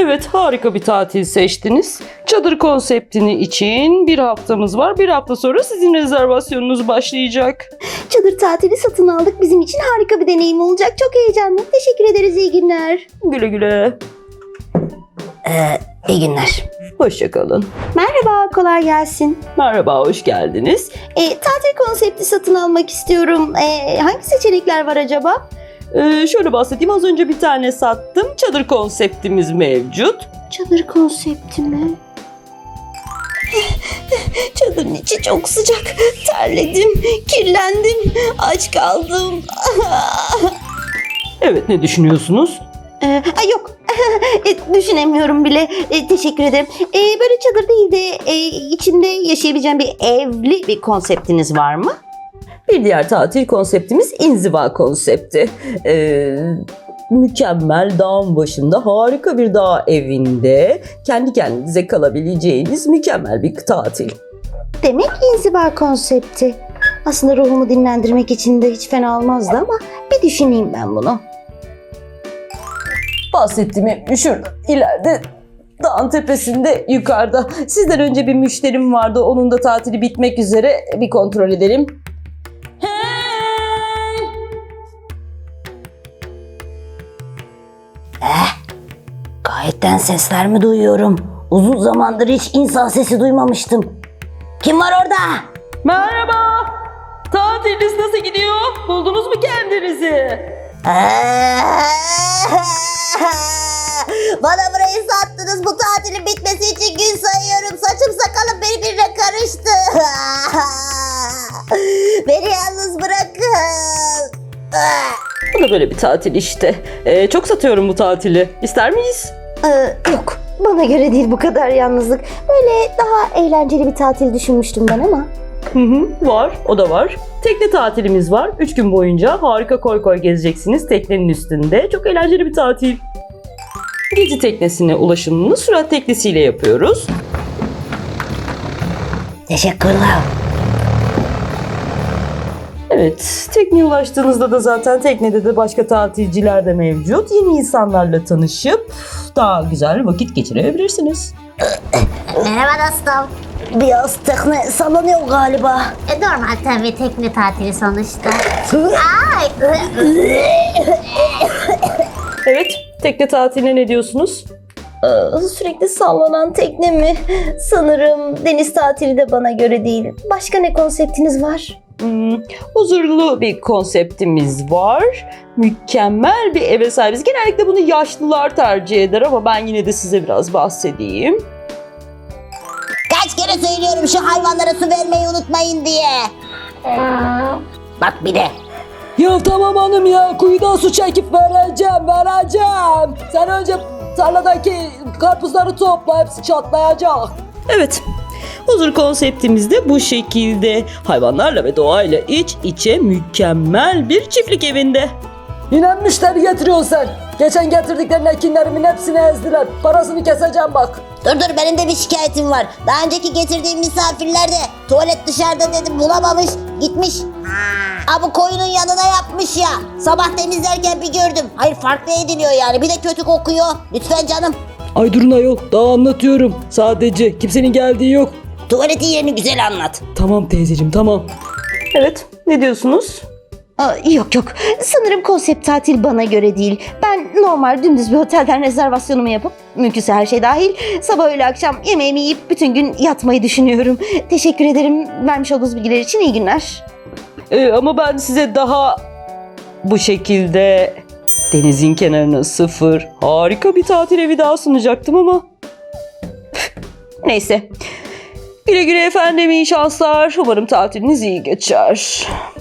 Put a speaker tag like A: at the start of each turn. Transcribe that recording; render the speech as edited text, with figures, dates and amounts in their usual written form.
A: Evet, harika bir tatil seçtiniz. Çadır konseptini için bir haftamız var. Bir hafta sonra sizin rezervasyonunuz başlayacak.
B: Çadır tatili satın aldık. Bizim için harika bir deneyim olacak. Çok heyecanlı. Teşekkür ederiz. İyi günler.
A: Güle güle.
B: İyi günler.
A: Hoşça kalın.
B: Merhaba, kolay gelsin.
A: Merhaba, hoş geldiniz.
B: Tatil konsepti satın almak istiyorum. Hangi seçenekler var acaba?
A: Şöyle bahsedeyim. Az önce bir tane sattım. Çadır konseptimiz mevcut.
B: Çadır konsepti mi? Çadırın içi çok sıcak. Terledim, kirlendim, aç kaldım.
A: Evet, ne düşünüyorsunuz?
B: Yok, düşünemiyorum bile. Teşekkür ederim. Böyle çadır değil de içinde yaşayabileceğim bir evli bir konseptiniz var mı?
A: Bir diğer tatil konseptimiz inziva konsepti. Mükemmel dağın başında harika bir dağ evinde kendi kendinize kalabileceğiniz mükemmel bir tatil.
B: Demek inziva konsepti. Aslında ruhumu dinlendirmek için de hiç fena olmazdı ama bir düşüneyim ben bunu.
A: Bahsettiğim şurada ileride dağın tepesinde yukarıda. Sizden önce bir müşterim vardı. Onun da tatili bitmek üzere. Bir kontrol edelim.
B: Gayetten sesler mi duyuyorum? Uzun zamandır hiç insan sesi duymamıştım. Kim var orada?
A: Merhaba. Tatiliniz nasıl gidiyor? Buldunuz mu kendinizi?
B: Bana burayı sattınız. Bu tatilin bitmesi için gün sayıyorum. Saçım sakalım birbirine karıştı. Beni yalnız bırakın.
A: Bu da böyle bir tatil işte. Çok satıyorum bu tatili. İster miyiz?
B: Yok. Bana göre değil bu kadar yalnızlık. Böyle daha eğlenceli bir tatil düşünmüştüm ben ama.
A: Var. O da var. Tekne tatilimiz var. 3 gün boyunca harika koy koy gezeceksiniz teknenin üstünde. Çok eğlenceli bir tatil. Gezi teknesine ulaşımını sürat teknesiyle yapıyoruz.
B: Teşekkürler.
A: Evet, tekneye ulaştığınızda da zaten teknede de başka tatilciler de mevcut. Yeni insanlarla tanışıp daha güzel vakit geçirebilirsiniz.
B: Merhaba dostum. Biraz tekne sallanıyor galiba.
C: Normal tabii tekne tatili sonuçta.
A: Evet, tekne tatiline ne diyorsunuz?
B: Sürekli sallanan tekne mi? Sanırım deniz tatili de bana göre değil. Başka ne konseptiniz var?
A: Huzurlu bir konseptimiz var. Mükemmel bir eve sahibiz. Genellikle bunu yaşlılar tercih eder ama ben yine de size biraz bahsedeyim.
B: Kaç kere söylüyorum şu hayvanlara su vermeyi unutmayın diye. Bak bir de.
A: Ya tamam hanım ya, kuyudan su çekip vereceğim. Sen önce tarladaki karpuzları topla, hepsi çatlayacak. Evet, huzur konseptimiz de bu şekilde. Hayvanlarla ve doğayla iç içe mükemmel bir çiftlik evinde.
D: Yine müşteri getiriyorsun sen. Geçen getirdiklerin ekinlerimin hepsini ezdiler. Parasını keseceğim bak.
B: Dur benim de bir şikayetim var. Daha önceki getirdiğim misafirler de tuvalet dışarıda dedim bulamamış gitmiş. Bu koyunun yanına yapmış ya. Sabah temizlerken bir gördüm. Hayır farklı ediliyor yani bir de kötü kokuyor. Lütfen canım.
D: Ay durun ayol, daha anlatıyorum. Sadece kimsenin geldiği yok.
B: Tuvaletin yerini güzel anlat.
D: Tamam teyzeciğim, tamam.
A: Evet, ne diyorsunuz?
B: Yok. Sanırım konsept tatil bana göre değil. Ben normal dümdüz bir otelden rezervasyonumu yapıp mümkünse her şey dahil sabah öğle akşam yemeğimi yiyip bütün gün yatmayı düşünüyorum. Teşekkür ederim vermiş olduğunuz bilgiler için. İyi günler.
A: Ama ben size daha bu şekilde denizin kenarına sıfır harika bir tatil evi daha sunacaktım ama neyse. Güle güle efendim, iyi şanslar. Umarım tatiliniz iyi geçer.